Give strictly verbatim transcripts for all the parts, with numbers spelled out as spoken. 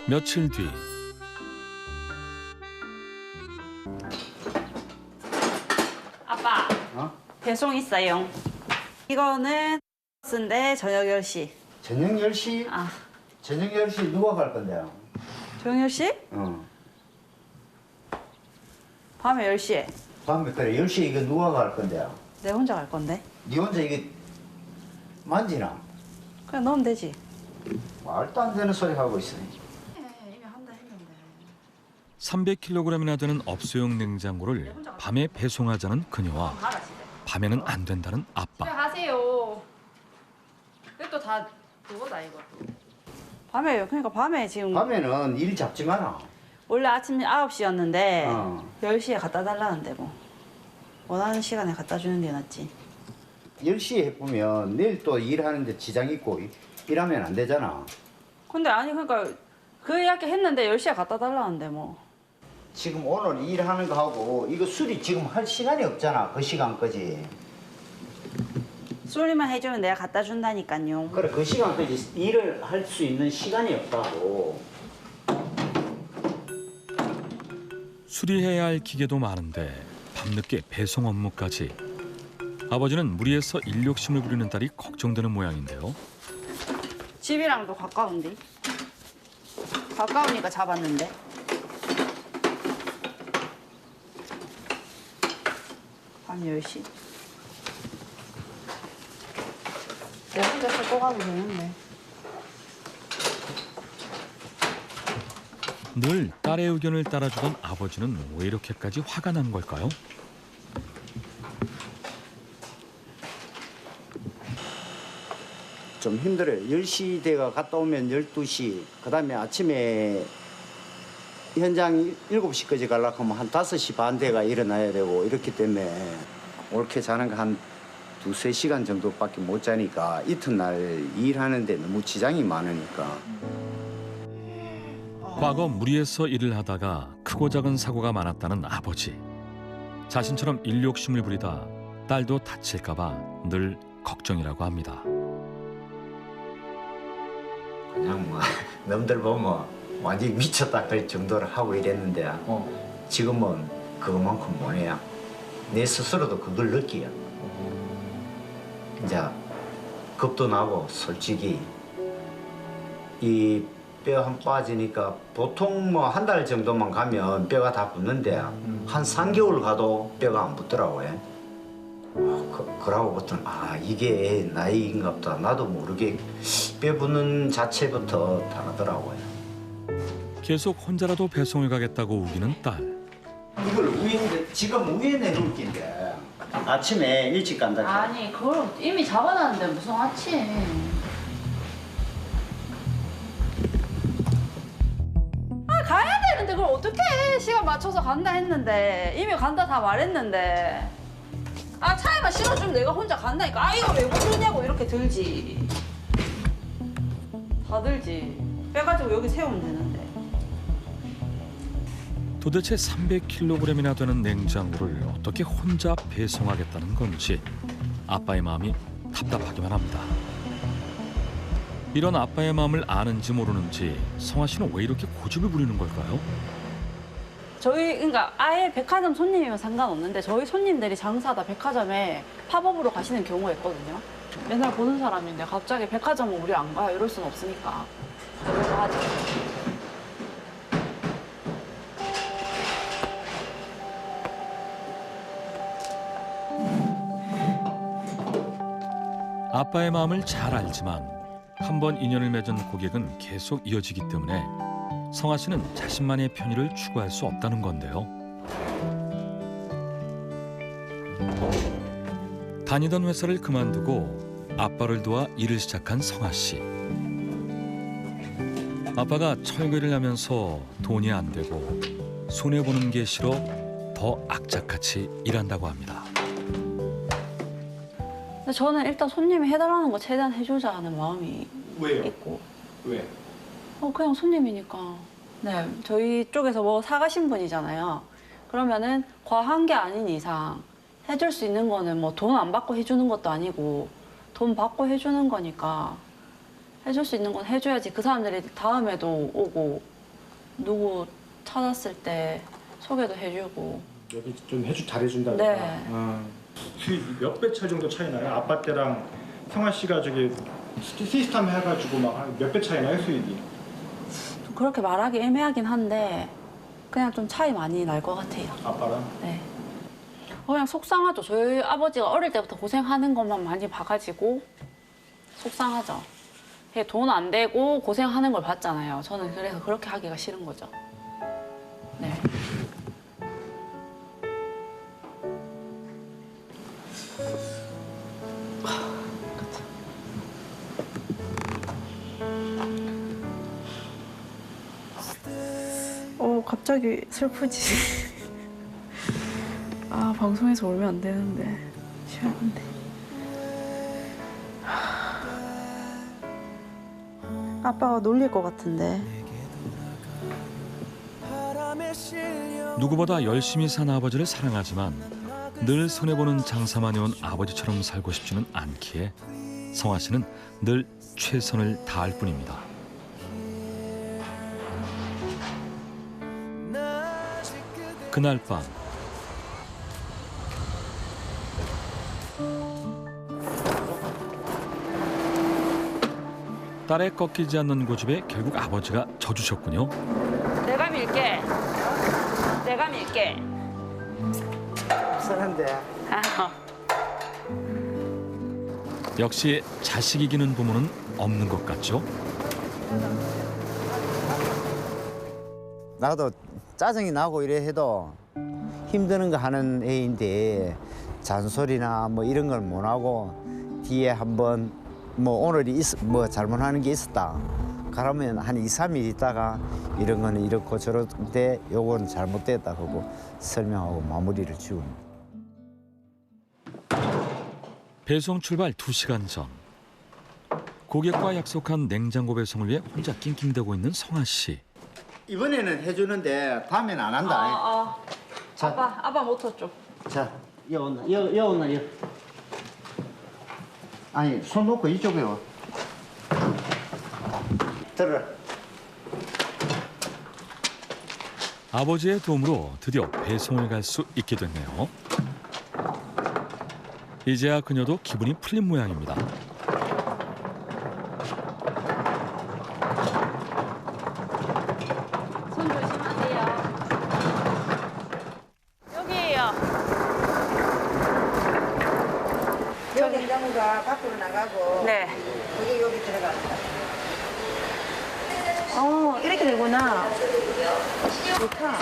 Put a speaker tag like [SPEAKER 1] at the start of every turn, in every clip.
[SPEAKER 1] 며칠 뒤
[SPEAKER 2] 아빠,
[SPEAKER 3] 어?
[SPEAKER 2] 배송 있어요. 이거는 쓴데 저녁 열 시.
[SPEAKER 3] 저녁 열 시?
[SPEAKER 2] 아,
[SPEAKER 3] 저녁 열 시 누가 갈 건데요?
[SPEAKER 2] 저녁 열 시?
[SPEAKER 3] 어.
[SPEAKER 2] 밤에 열 시에.
[SPEAKER 3] 밤에 그래 열 시에 이거 누가 갈 건데요?
[SPEAKER 2] 내 혼자 갈 건데.
[SPEAKER 3] 니 혼자 이게 만지나?
[SPEAKER 2] 그냥 넣으면 되지.
[SPEAKER 3] 말도 안 되는 소리 하고 있어.
[SPEAKER 2] 이미 한다 했는데.
[SPEAKER 1] 삼백 킬로그램이나 되는 업소용 냉장고를 밤에 배송하자는 그녀와
[SPEAKER 2] 가라 집에.
[SPEAKER 1] 밤에는 안 된다는 아빠.
[SPEAKER 2] 가세요. 이것도 다 그거다 이거. 밤에요. 그러니까 밤에 지금
[SPEAKER 3] 밤에는 일 잡지 마라.
[SPEAKER 2] 원래 아침 아홉 시였는데
[SPEAKER 3] 어.
[SPEAKER 2] 열 시에 갖다 달라는데 뭐. 원하는 시간에 갖다 주는 게 낫지.
[SPEAKER 3] 열 시에 해보면 내일 또 일하는데 지장 있고 일하면 안 되잖아.
[SPEAKER 2] 근데 아니 그러니까 그 이야기 했는데 열 시에 갖다 달라는데 뭐.
[SPEAKER 3] 지금 오늘 일하는 거 하고 이거 수리 지금 할 시간이 없잖아. 그 시간까지.
[SPEAKER 2] 수리만 해주면 내가 갖다 준다니까요.
[SPEAKER 3] 그래 그 시간까지 일을 할 수 있는 시간이 없다고.
[SPEAKER 1] 수리해야 할 기계도 많은데 밤늦게 배송 업무까지. 아버지는 무리해서 일 욕심을 부리는 딸이 걱정되는 모양인데요.
[SPEAKER 2] 집이랑도 가까운데. 가까우니까 잡았는데. 밤 열 시. 내 혼자 씻고 가도 되는데.
[SPEAKER 1] 늘 딸의 의견을 따라주던 아버지는 왜 이렇게까지 화가 난 걸까요?
[SPEAKER 3] 좀 힘들어요. 열 시 대가 갔다 오면 열두 시. 그 다음에 아침에 현장 일곱 시까지 가려고 하면 한 다섯 시 반 대가 일어나야 되고 이렇기 때문에 옳게 자는 거 한 두세 시간 정도밖에 못 자니까 이튿날 일하는데 너무 지장이 많으니까.
[SPEAKER 1] 과거 무리해서 일을 하다가 크고 작은 사고가 많았다는 아버지. 자신처럼 일 욕심을 부리다 딸도 다칠까 봐 늘 걱정이라고 합니다.
[SPEAKER 3] 그냥 뭐 남들 보면 완전히 미쳤다 그럴 정도로 하고 이랬는데 어. 지금은 그것만큼 못해요. 내 스스로도 그걸 느끼요. 이제 겁도 나고 솔직히 이 뼈 한 빠지니까 보통 뭐 한 달 정도만 가면 뼈가 다 붙는데 음. 한 삼 개월 가도 뼈가 안 붙더라고요. 그, 그러고부터는 아 이게 나이인가 보다. 나도 모르게 뼈 붙는 자체부터 다르더라고요.
[SPEAKER 1] 계속 혼자라도 배송을 가겠다고 우기는 딸.
[SPEAKER 3] 이걸 위에 지금 위에 내놓을 낀데 아침에 일찍 간다.
[SPEAKER 2] 아니 그걸 이미 잡아놨는데 무슨 아침. 아 가야 되는데 그걸 어떻게 해. 시간 맞춰서 간다 했는데 이미 간다 다 말했는데. 아 차에만 실어주면 내가 혼자 간다니까. 아 이거 왜 부르냐고 이렇게 들지. 다 들지. 빼가지고 여기 세우면 되는데.
[SPEAKER 1] 도대체 삼백 킬로그램이나 되는 냉장고를 어떻게 혼자 배송하겠다는 건지 아빠의 마음이 답답하기만 합니다. 이런 아빠의 마음을 아는지 모르는지 성아 씨는 왜 이렇게 고집을 부리는 걸까요?
[SPEAKER 2] 저희 그러니까 아예 백화점 손님이면 상관없는데 저희 손님들이 장사하다 백화점에 팝업으로 가시는 경우가 있거든요. 맨날 보는 사람인데 갑자기 백화점은 우리 안 가요 이럴 순 없으니까 그래서 하죠.
[SPEAKER 1] 아빠의 마음을 잘 알지만 한 번 인연을 맺은 고객은 계속 이어지기 때문에 성아 씨는 자신만의 편의를 추구할 수 없다는 건데요. 다니던 회사를 그만두고 아빠를 도와 일을 시작한 성아 씨. 아빠가 철거를 하면서 돈이 안 되고 손해보는 게 싫어 더 악착같이 일한다고 합니다.
[SPEAKER 2] 근데 저는 일단 손님이 해달라는 거 최대한 해주자는 마음이
[SPEAKER 4] 왜요?
[SPEAKER 2] 있고.
[SPEAKER 4] 왜?
[SPEAKER 2] 어 그냥 손님이니까. 네, 저희 쪽에서 뭐 사가신 분이잖아요. 그러면은 과한 게 아닌 이상 해줄 수 있는 거는 뭐 돈 안 받고 해주는 것도 아니고 돈 받고 해주는 거니까 해줄 수 있는 건 해줘야지 그 사람들이 다음에도 오고 누구 찾았을 때 소개도 해주고.
[SPEAKER 4] 여기 좀 해주 잘해준다.
[SPEAKER 2] 네.
[SPEAKER 4] 어. 수익 몇 배 차이 정도 차이 나요? 아빠 때랑 성아 씨가 저기 시- 시스템 해가지고 막 몇 배 차이 나요 수익이?
[SPEAKER 2] 좀 그렇게 말하기 애매하긴 한데 그냥 좀 차이 많이 날 것 같아요.
[SPEAKER 4] 아빠랑?
[SPEAKER 2] 네. 그냥 속상하죠. 저희 아버지가 어릴 때부터 고생하는 것만 많이 봐가지고 속상하죠. 돈 안 되고 고생하는 걸 봤잖아요. 저는 그래서 그렇게 하기가 싫은 거죠. 네. 어, 갑자기 슬프지. 아, 방송에서 울면 안 되는데. 시원한데. 아빠가 놀릴 것 같은데.
[SPEAKER 1] 누구보다 열심히 산 아버지를 사랑하지만 늘 손해보는 장사만 해온 아버지처럼 살고 싶지는 않기에 성아 씨는 늘 최선을 다할 뿐입니다. 그날 밤 딸의 꺾이지 않는 고집에 결국 아버지가 져주셨군요.
[SPEAKER 2] 내가 밀게. 내가 밀게.
[SPEAKER 3] 쓰는데
[SPEAKER 2] 아,
[SPEAKER 1] 역시 자식 이기는 부모는 없는 것 같죠?
[SPEAKER 3] 나도 짜증이 나고 이래 해도 힘드는 거 하는 애인데 잔소리나 뭐 이런 걸 못 하고 뒤에 한번 뭐 오늘이 있, 뭐 잘못하는 게 있었다. 그러면 한 이, 삼 일 있다가 이런 거는 이렇고 저런데 요거는 잘못됐다 하고 설명하고 마무리를 지웁니다.
[SPEAKER 1] 배송 출발 두 시간 전 고객과 약속한 냉장고 배송을 위해 혼자 낑낑대고 있는 성아 씨.
[SPEAKER 3] 이번에는 해주는데 다음엔 안 한다.
[SPEAKER 2] 아, 아.
[SPEAKER 3] 자.
[SPEAKER 2] 아빠, 아빠 모터 좀.
[SPEAKER 3] 자, 여 온나, 여, 여 온나, 여. 아니, 손 놓고 이쪽에 와. 들어.
[SPEAKER 1] 아버지의 도움으로 드디어 배송을 갈 수 있게 됐네요. 이제야 그녀도 기분이 풀린 모양입니다.
[SPEAKER 2] 손 조심하세요. 여기에요.
[SPEAKER 5] 요 냉장고가 밖으로 나가고
[SPEAKER 2] 네.
[SPEAKER 5] 그게 여기 들어갑니다.
[SPEAKER 2] 어, 이렇게 되구나.
[SPEAKER 5] 좋다.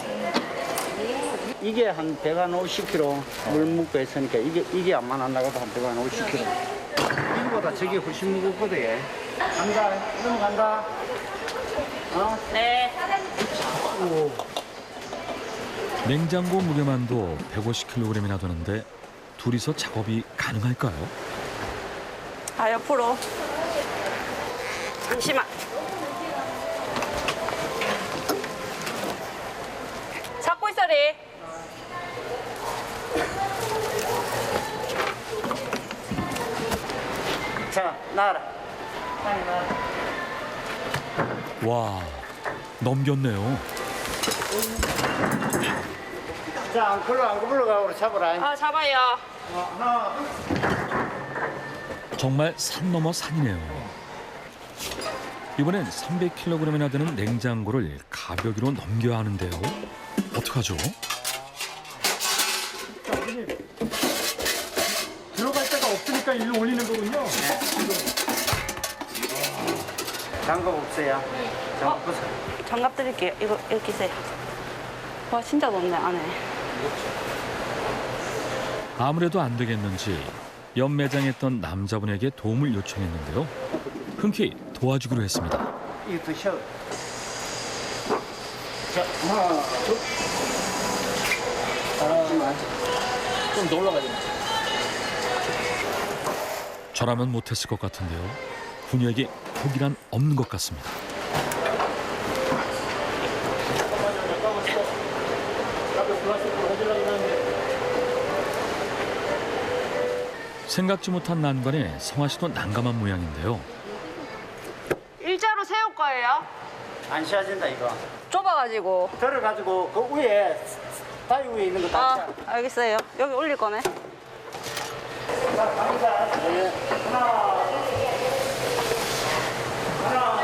[SPEAKER 3] 이게 한 백한 오십 킬로그램 물 묻고 했으니까 이게, 이게 안만 안 나가도 한 백한 오십 킬로그램. 이거보다 저게 훨씬 무겁거든. 얘. 간다, 넘어간다. 어?
[SPEAKER 2] 네.
[SPEAKER 1] 냉장고 무게만도 백오십 킬로그램이나 되는데 둘이서 작업이 가능할까요?
[SPEAKER 2] 아, 옆으로. 잠시만. 잡고 있어리.
[SPEAKER 3] 자, 나와라.
[SPEAKER 1] 와, 넘겼네요.
[SPEAKER 3] 자, 안 걸러, 안 굴러가고 잡아라.
[SPEAKER 2] 아, 잡아요.
[SPEAKER 3] 하나,
[SPEAKER 1] 정말 산 넘어 산이네요. 이번엔 삼백 킬로그램이나 되는 냉장고를 가벼기로 넘겨야 하는데요. 어떡하죠?
[SPEAKER 4] 들어갈 데가 없으니까 일로 올리는 거군요.
[SPEAKER 3] 장갑 없어요. 장갑 벗어.
[SPEAKER 2] 장갑 드릴게요. 이거 이렇게 세요. 와, 진짜 높네, 안에.
[SPEAKER 1] 아무래도 안 되겠는지 옆 매장에 있던 남자분에게 도움을 요청했는데요. 흔쾌히 도와주기로 했습니다.
[SPEAKER 3] 이거 드셔. 자, 하나, 둘. 아, 좀 더 올라가야 돼.
[SPEAKER 1] 저라면 못했을 것 같은데요. 분유에게 포기란 없는 것 같습니다. 생각지 못한 난관에 성아 씨도 난감한 모양인데요.
[SPEAKER 2] 일자로 세울 거예요.
[SPEAKER 3] 안 씌워진다 이거.
[SPEAKER 2] 좁아가지고.
[SPEAKER 3] 들어가지고 그 위에 다리 위에 있는 거
[SPEAKER 2] 아,
[SPEAKER 3] 다.
[SPEAKER 2] 알겠어요. 여기 올릴 거네.
[SPEAKER 3] 자, 갑니다. 네. 하나. 하나.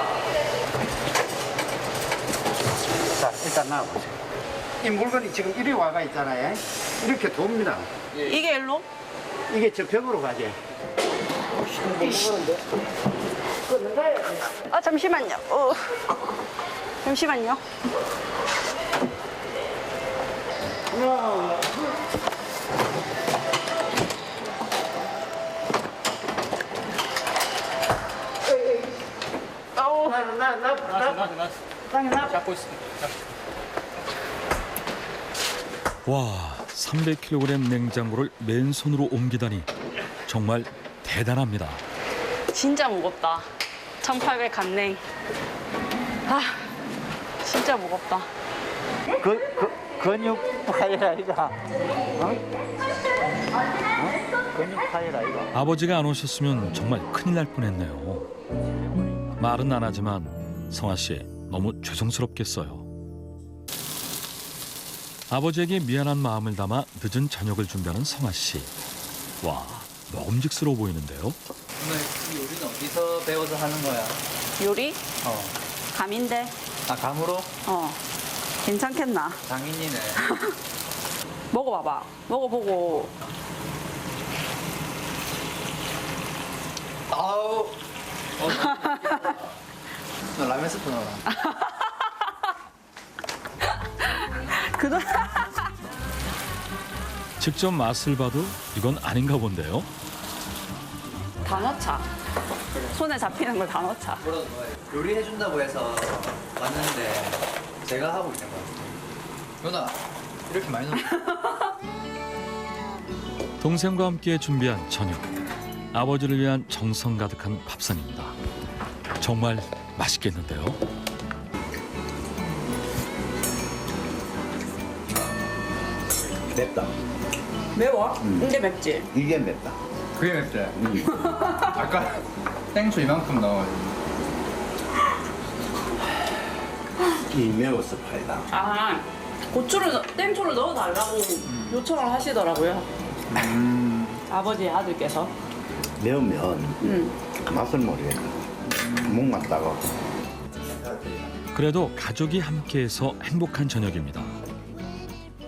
[SPEAKER 3] 자, 일단 나와보세요. 이 물건이 지금 이리 와가 있잖아요. 이렇게 돕니다.
[SPEAKER 2] 이게 일로?
[SPEAKER 3] 이게 저 벽으로 가지.
[SPEAKER 2] 아, 잠시만요. 어. 잠시만요.
[SPEAKER 3] 하나.
[SPEAKER 2] 아우.
[SPEAKER 3] 나, 나, 나, 나. 땅에 나.
[SPEAKER 4] 잡고 있어.
[SPEAKER 1] 와, 삼백 킬로그램 냉장고를 맨손으로 옮기다니 정말 대단합니다.
[SPEAKER 2] 진짜 무겁다. 천팔백 간냉. 아, 진짜 무겁다.
[SPEAKER 3] 그, 그, 근육 파이라 이거. 어? 어? 근육 파이라 이거.
[SPEAKER 1] 아버지가 안 오셨으면 정말 큰일 날 뻔했네요. 말은 안 하지만 성아 씨 너무 죄송스럽겠어요. 아버지에게 미안한 마음을 담아 늦은 저녁을 준비하는 성아 씨. 와, 먹음직스러워 보이는데요.
[SPEAKER 6] 오늘 이 요리는 어디서 배워서 하는 거야?
[SPEAKER 2] 요리?
[SPEAKER 6] 어.
[SPEAKER 2] 감인데.
[SPEAKER 6] 아, 감으로?
[SPEAKER 2] 어. 괜찮겠나?
[SPEAKER 6] 장인이네.
[SPEAKER 2] 먹어봐봐. 먹어보고.
[SPEAKER 6] 아우. 어, 너 라면 스프 넣어라.
[SPEAKER 2] 그거.
[SPEAKER 1] 직접 맛을 봐도 이건 아닌가 본데요.
[SPEAKER 2] 다 넣자. 손에 잡히는 걸 다 넣자.
[SPEAKER 6] 뭐라도 넣어야 돼. 요리해준다고 해서 왔는데 제가 하고 있는 거야. 누나, 이렇게 많이 넣어.
[SPEAKER 1] 동생과 함께 준비한 저녁. 아버지를 위한 정성 가득한 밥상입니다. 정말 맛있겠는데요.
[SPEAKER 3] 맵다.
[SPEAKER 2] 매워? 근데 맵지?
[SPEAKER 3] 이게 맵다.
[SPEAKER 6] 그게 맵지? 아까 땡초 이만큼 넣어가지고.
[SPEAKER 3] 이 매워서 파이다.
[SPEAKER 2] 아, 고추를, 넣- 땡초를 넣어달라고 요청을 하시더라고요. 아버지 아들께서.
[SPEAKER 3] 매우면
[SPEAKER 2] 음.
[SPEAKER 3] 맛을 모르겠다. 목 맞다가.
[SPEAKER 1] 그래도 가족이 함께해서 행복한 저녁입니다.